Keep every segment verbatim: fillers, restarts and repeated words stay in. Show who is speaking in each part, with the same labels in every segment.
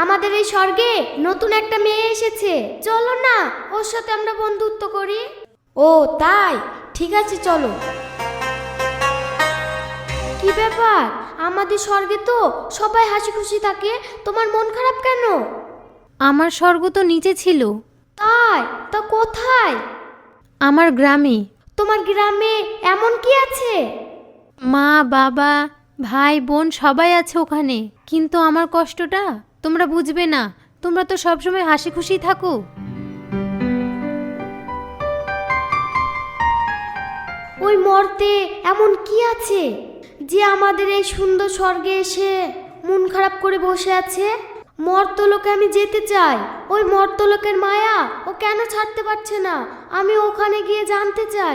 Speaker 1: আমাদের এই স্বর্গে নতুন একটা মেয়ে এসেছে, চলো না ওর সাথে আমরা বন্ধুত্ব করি। ও তাই, ঠিক আছে চলো। কি ব্যাপার, আমাদের স্বর্গে তো সবাই হাসি খুশি থাকে, তোমার মন খারাপ কেন?
Speaker 2: আমার স্বর্গ তো নিচে ছিল।
Speaker 1: তাই? তা কোথায়?
Speaker 2: আমার গ্রামে।
Speaker 1: তোমার গ্রামে এমন কি আছে?
Speaker 2: মা বাবা ভাই বোন সবাই আছে ওখানে, কিন্তু আমার কষ্টটা তোমরা বুঝবে না। তোমরা তো সবসময় হাসি খুশি থাকো।
Speaker 1: ওই মর্তে এমন কি আছে যে আমাদের এই সুন্দর স্বর্গে এসে মন খারাপ করে বসে আছে? মর্তলোকে আমি যেতে চাই, ওই মর্তলোকের মায়া ও কেন ছাড়তে পারছে না, আমি ওখানে গিয়ে জানতে চাই।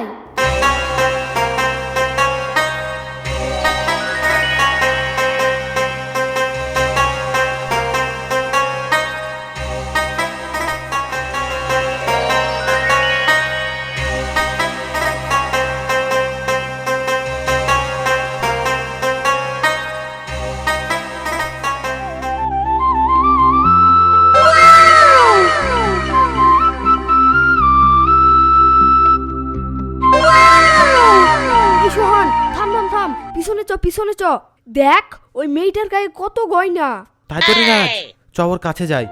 Speaker 3: পিছনে চ পিছনে চ, দেখ ওই মেয়েটার গায়ে কত গয়না।
Speaker 4: তাই তো রে রাজ, চ ওর কাছে যাই।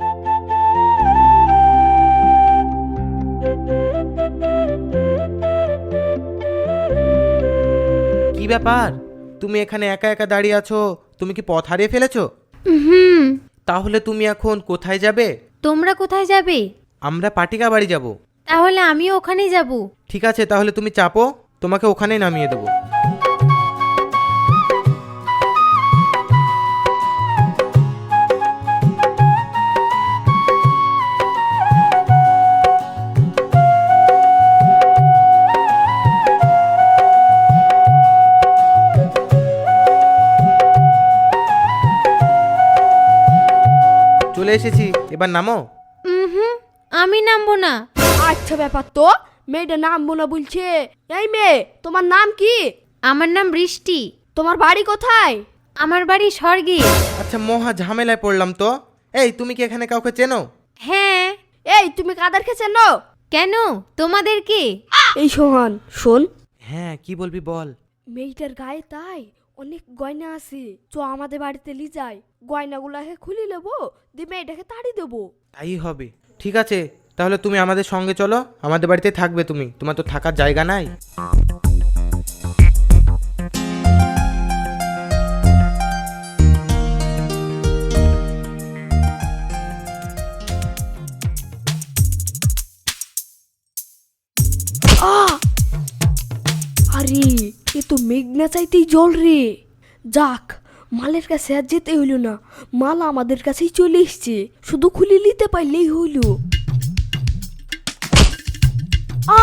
Speaker 4: কি ব্যাপার, তুমি এখানে একা একা দাঁড়িয়ে আছো? তুমি কি পথ হারিয়ে ফেলেছো?
Speaker 2: হুম।
Speaker 4: তাহলে তুমি এখন কোথায় যাবে?
Speaker 2: তোমরা কোথায় যাবে?
Speaker 4: আমরা পাটিকা বাড়ি যাব।
Speaker 2: তাহলে আমিও ওখানেই যাব।
Speaker 4: ঠিক আছে, তাহলে তুমি চাপো, তোমাকে ওখানেই নামিয়ে দেবো। চলে এসেছি, এবার নামো।
Speaker 2: হুম, আমি নামবো না।
Speaker 3: আচ্ছা ব্যাপার তো, মেয়েটা নামবো না বলছে। এই মেয়ে, তোমার নাম কি?
Speaker 2: আমার নাম বৃষ্টি।
Speaker 3: তোমার বাড়ি কোথায়?
Speaker 2: আমার বাড়ি স্বর্গে।
Speaker 4: আচ্ছা, মহা ঝামেলায় পড়লাম তো। এই, তুমি কি এখানে কাউকে চেনো?
Speaker 2: হ্যাঁ।
Speaker 3: এই তুমি কাদেরকে চেনো?
Speaker 2: কেন, তোমাদের কি?
Speaker 3: এই সোহান শোন।
Speaker 4: হ্যাঁ, কি বলবি বল।
Speaker 3: মেয়েটার গায়ে তাই অনেক গয়না আছে, চ আমাদের বাড়িতে লি যাই, গয়নাগুলাকে খুলে নেবো, দিয়ে মেয়েটাকে তাড়ি দেবো।
Speaker 4: তাই হবে, ঠিক আছে। তাহলে তুমি আমাদের সঙ্গে চলো, আমাদের বাড়িতে থাকবে তুমি, তোমার তো থাকার জায়গা নাই।
Speaker 3: আরে এ তো মেঘনা চাইতেই জল রে। যাক, মালের কাছে আর যেতে হইল না, মাল আমাদের কাছেই চলে এসছে, শুধু খুলে নিতে পারলেই হইল। আ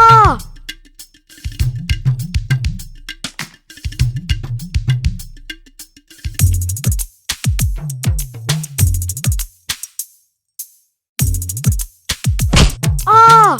Speaker 3: আ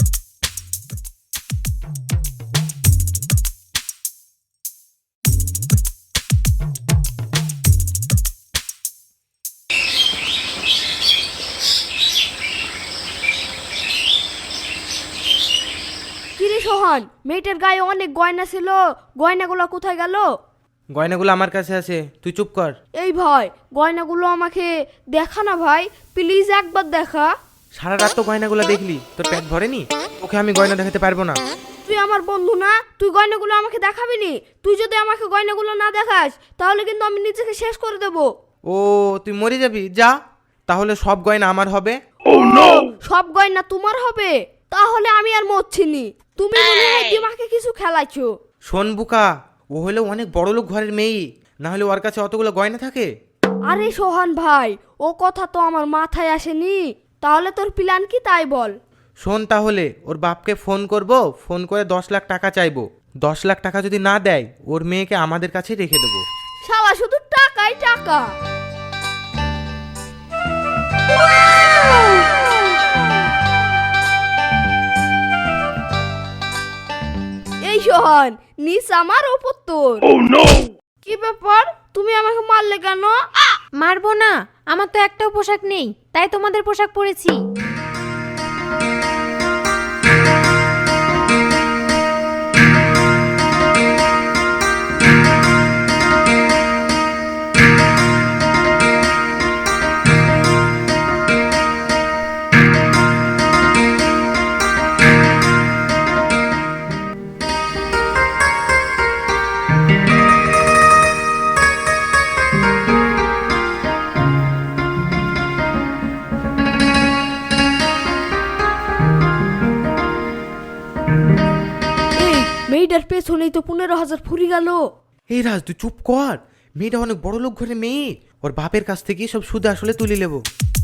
Speaker 3: কিরে সোহান, মেয়েটার গায়ে অনেক গয়না ছিল, গয়নাগুলো কোথায় গেল?
Speaker 4: গয়নাগুলো আমার কাছে আছে, তুই চুপ কর।
Speaker 3: এই ভাই, গয়নাগুলো আমাকে দেখা না ভাই, প্লিজ একবার দেখা।
Speaker 4: সারা রাত তো গয়নাগুলো দেখলি, তোর পেট ভরেনি? ওকে আমি গয়না দেখাতে পারবো না।
Speaker 3: তুই আমার বন্ধু না, তুই গয়নাগুলো আমাকে দেখাবি নি? তুই যদি আমাকে গয়নাগুলো না দেখাস তাহলে কিন্তু আমি নিজেকে শেষ করে দেব।
Speaker 4: ও, তুই মরে যাবি? যা, তাহলে সব গয়না আমার হবে।
Speaker 3: সব গয়না তোমার হবে? তাহলে আমি আর মরছি নি, তুমি মনে হয় দিমাকে কিছু খেলাইছো।
Speaker 4: শোন বুকা, ও হলো অনেক বড় লোক ঘরের মেয়ে, না হলে ওর কাছে অতগুলো গয়না থাকে?
Speaker 3: আরে সোহান ভাই, ও কথা তো আমার মাথায় আসেনি। তাহলে তোর প্ল্যান কি তাই বল।
Speaker 4: শোন, তাহলে ওর বাপকে ফোন করব, ফোন করে দশ লাখ টাকা চাইবো। দশ লাখ টাকা যদি না দেয়, ওর মেয়েকে আমাদের কাছে রেখে দেবো।
Speaker 3: শালা শুধু টাকাই টাকা। এই সোহান, নিস আমার ওপর তোর। কি ব্যাপার, তুমি আমাকে মারলে কেন?
Speaker 2: মারবো না, আমার তো একটাও পোশাক নেই, তাই তোমাদের পোশাক পরেছি।
Speaker 3: এই মেয়েটার পেছনেই তো পনেরো হাজার ফুরি গেল।
Speaker 4: এই রাজ তুই চুপ কর, মেয়েটা অনেক বড় লোক ঘরে মেয়ে, ওর বাপের কাছ থেকে সব সুদে আসলে তুলে নেবো।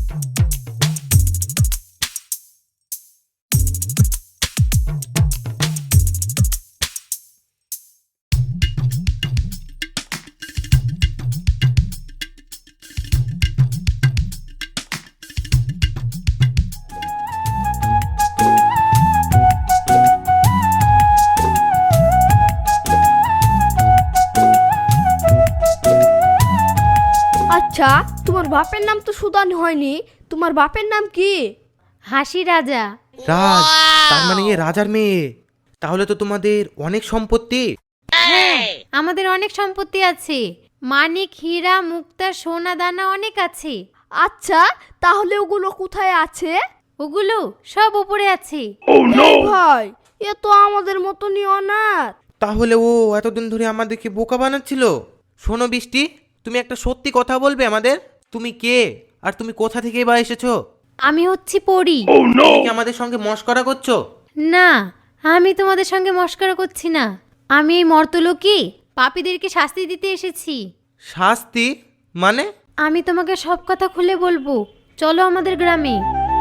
Speaker 3: আচ্ছা, তোমার বাপের নাম তো সুদান হয়নি, তোমার বাপের নাম কি?
Speaker 2: হাসি রাজা।
Speaker 4: রাজ, তার মানে এ রাজার মেয়ে, তাহলে তো তোমাদের অনেক সম্পত্তি।
Speaker 2: হ্যাঁ, আমাদের অনেক সম্পত্তি আছে, মানিক, হীরা, মুক্তা, সোনা দানা অনেক আছে।
Speaker 3: আচ্ছা, তাহলে ওগুলো কোথায় আছে?
Speaker 2: ওগুলো সব উপরে আছে।
Speaker 3: এই ভাই, এ তো আমাদের মতনই অনাথ।
Speaker 4: তাহলে ও এতদিন ধরে আমাদেরকে বোকা বানাচ্ছিল। শোনো বৃষ্টি, তুমি একটা সত্যি কথা বলবে আমাদের, তুমি কে আর তুমি কোথা থেকে বা এসেছো?
Speaker 2: আমি হচ্ছি পরী।
Speaker 4: তুমি কি আমাদের সঙ্গে মস্করা করছো?
Speaker 2: না, আমি তোমাদের সঙ্গে মস্করা করছি না, আমি এই মর্তলোকে পাপীদেরকে শাস্তি দিতে এসেছি।
Speaker 4: শাস্তি মানে?
Speaker 2: আমি তোমাকে সব কথা খুলে বলবো, চলো আমাদের গ্রামে।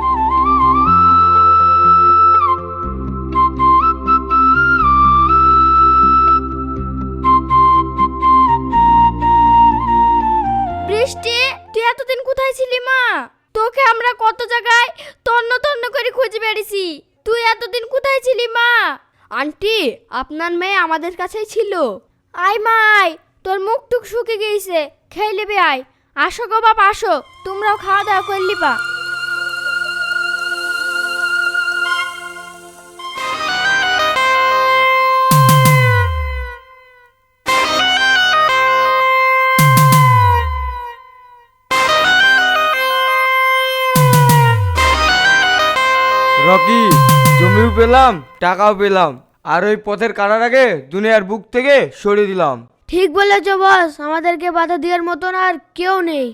Speaker 3: বৃষ্টি, তুই এতদিন কোথায় ছিলি মা? তোকে আমরা কত জায়গায় তন্ন তন্ন করে খুঁজে বেড়েছি, তুই এতদিন কোথায় ছিলি মা? আন্টি, আপনার মেয়ে আমাদের কাছেই ছিল। আয় মাই, তোর মুখ টুক শুকে গিয়েছে, খেয়ে নেবে আয়। আসো গো বাপ, আসো, তোমরাও খাওয়া দাওয়া করলি বা।
Speaker 5: রকি, জমিও পেলাম, টাকাও পেলাম, আর ওই পথের কাটার আগে দুনিয়ার বুক থেকে সরিয়ে দিলাম।
Speaker 3: ঠিক বলেছ বস, আমাদেরকে বাধা দেওয়ার মতন আর কেউ নেই।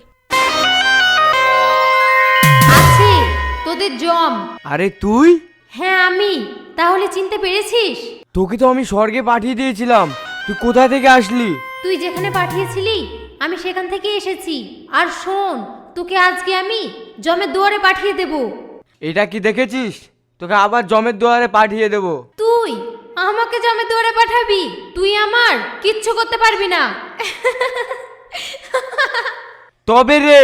Speaker 2: আছে তোদের জম।
Speaker 5: আরে তুই?
Speaker 2: হ্যাঁ আমি, তাহলে চিনতে পেরেছিস?
Speaker 5: তোকে তো আমি স্বর্গে পাঠিয়ে দিয়েছিলাম, তুই কোথা থেকে আসলি?
Speaker 2: তুই যেখানে পাঠিয়েছিলি আমি সেখান থেকে এসেছি। আর শোন, তোকে আজকে আমি জমের দুয়ারে পাঠিয়ে দেব।
Speaker 5: এটা কি দেখেছিস? তোকে আবার জমের দুয়ারে পাঠিয়ে দেব।
Speaker 2: তুই আমাকে জমের দুয়ারে পাঠাবি? তুই আমার কিচ্ছু করতে পারবি না।
Speaker 5: তবে রে,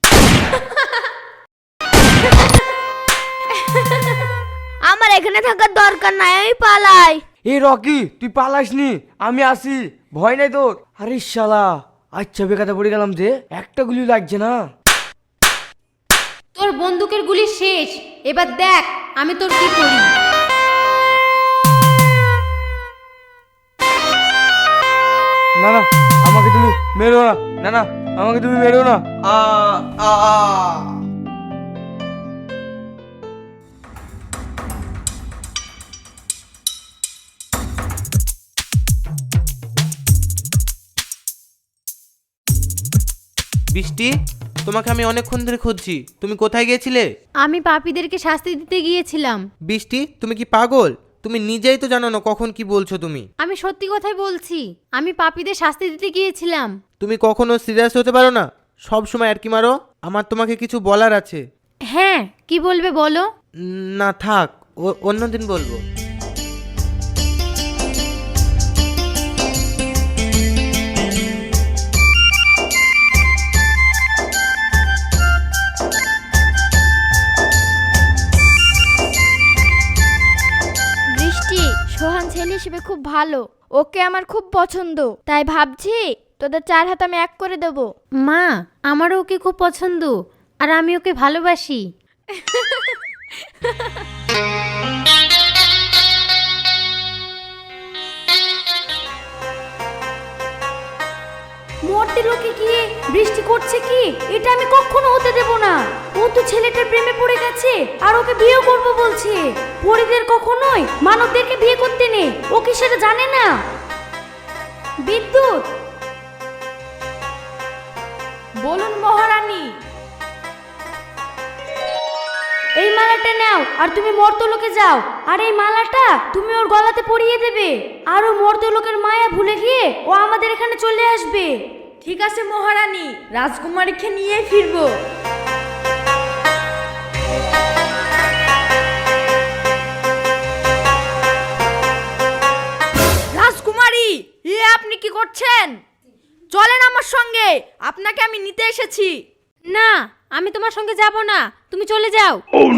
Speaker 3: আমার এখানে থাকার দরকার নাই, আমি পালাই।
Speaker 5: এ রকি, তুই পালাসনি, আমি আসি, ভয় নাই তোর? আরে শালা, আচ্ছা বেকাতে পড়ে গেলাম যে, একটা গুলি লাগছে না।
Speaker 2: তোর বন্দুকের গুলি শেষ, এবার দেখ আমি তোর কি করি।
Speaker 5: না না, আমাকে তুমি মেরো না, না না, আমাকে তুমি মেরো না। আ আ আ।
Speaker 4: বৃষ্টি, তোমাকে আমি অনেকক্ষণ ধরে খুঁজছি, তুমি কোথায় গিয়েছিলে?
Speaker 2: আমি পাপীদেরকে শাস্তি দিতে গিয়েছিলাম।
Speaker 4: বৃষ্টি, তুমি কি পাগল? তুমি নিজেই তো জানো না কখন কি বলছো তুমি।
Speaker 2: আমি সত্যি কথাই বলছি, আমি পাপীদের শাস্তি দিতে গিয়েছিলাম।
Speaker 4: তুমি কখনো সিরিয়াস হতে পারো না, সব সময় আর কি মারো। আমার তোমাকে কিছু বলার আছে।
Speaker 2: হ্যাঁ, কি বলবে বলো।
Speaker 4: উম, না থাক, ও- অন্যদিন বলবো।
Speaker 3: বৃষ্টি, সোহান ছেলে হিসেবে খুব ভালো, ওকে আমার খুব পছন্দ, তাই ভাবছি তোদের চার হাত আমি এক করে দেবো।
Speaker 2: মা, আমারও ওকে খুব পছন্দ, আর আমি ওকে ভালোবাসি।
Speaker 1: মর্তে লোকে গিয়ে বৃষ্টি করছে কি, এটা আমি কখনো হতে দেব না। ও তো ছেলেটার প্রেমে পড়ে গেছে আর ওকে বিয়ে করব বলছে। পরিদের কখনোই মানবদেরকে বিয়ে করতে নেই, ও কি সেটা জানে না? বিদ্যুৎ, বলুন মহারানী। এই মালাটা নাও আর তুমি মর্তলোকে যাও, আর এই মালাটা তুমি ওর গলাতে পরিয়ে দেবে, আর ও মর্তলোকের মায়া ভুলে গিয়ে ও আমাদের এখানে চলে আসবে। ঠিক আছে মহারানী, রাজকুমারীকে নিয়ে ফিরবো।
Speaker 6: রাজকুমারী, এ আপনি কি করছেন? চলেন আমার সঙ্গে, আপনাকে আমি নিতে এসেছি।
Speaker 2: না, আমি তোমার সঙ্গে যাব না, তুমি চলে যাও।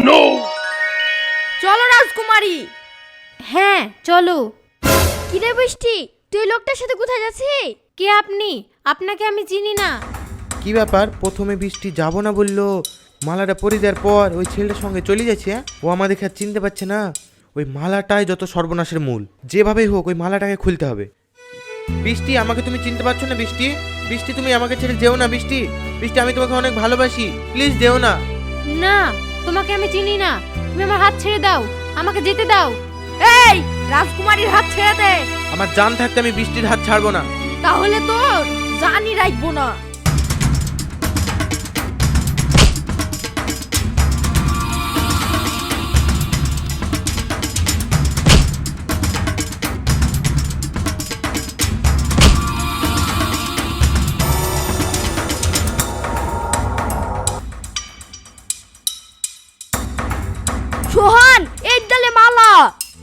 Speaker 6: চলো রাজকুমারী।
Speaker 2: হ্যাঁ চলো।
Speaker 3: কিরে বৃষ্টি, তুই লোকটার সাথে কোথায় যাচ্ছিস?
Speaker 2: কে আপনি? আপনাকে আমি চিনি না।
Speaker 4: কি ব্যাপার, প্রথমে বৃষ্টি যাব না বললো, মালাটা পরে দেওয়ার পর ওই ছেলেটার সঙ্গে চলে যাচ্ছে। হ্যাঁ? ও আমাদেরকে আর চিনতে পারছে না। ওই মালাটাই যত সর্বনাশের মূল, যেভাবেই হোক ওই মালাটাকে খুলতে হবে। বৃষ্টি, আমাকে তুমি চিনতে পারছো না? বৃষ্টি, বৃষ্টি তুমি আমাকে ছেড়ে যেও না। বৃষ্টি, বৃষ্টি আমি তোমাকে অনেক ভালোবাসি, প্লিজ যেও না।
Speaker 2: না, তোমাকে আমি চিনি না, তুমি আমার হাত ছেড়ে দাও, আমাকে যেতে দাও।
Speaker 6: এই, রাজকুমারীর হাত ছেড়ে দে।
Speaker 4: আমার জান থাকতে আমি বৃষ্টির হাত ছাড়বো না।
Speaker 6: তাহলে তোর জানি রাখবো না।
Speaker 3: সোহান, এই ডালে মালা।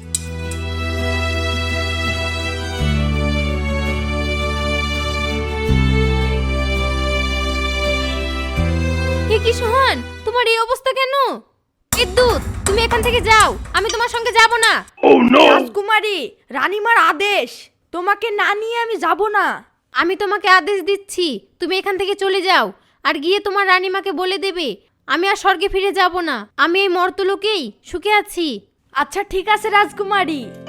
Speaker 2: এ কি সোহান, তোমার এই অবস্থা কেন? বিদ্যুৎ, তুমি এখান থেকে যাও, আমি তোমার সঙ্গে যাব না।
Speaker 6: রাজকুমারী, রানীমার আদেশ, তোমাকে না নিয়ে আমি যাব না।
Speaker 2: আমি তোমাকে আদেশ দিচ্ছি, তুমি এখান থেকে চলে যাও, আর গিয়ে তোমার রানীমাকে বলে দেবে আমি আর স্বর্গে ফিরে যাব না, আমি এই মর্তলোকেই সুখে আছি।
Speaker 6: আচ্ছা ঠিক আছে রাজকুমারী।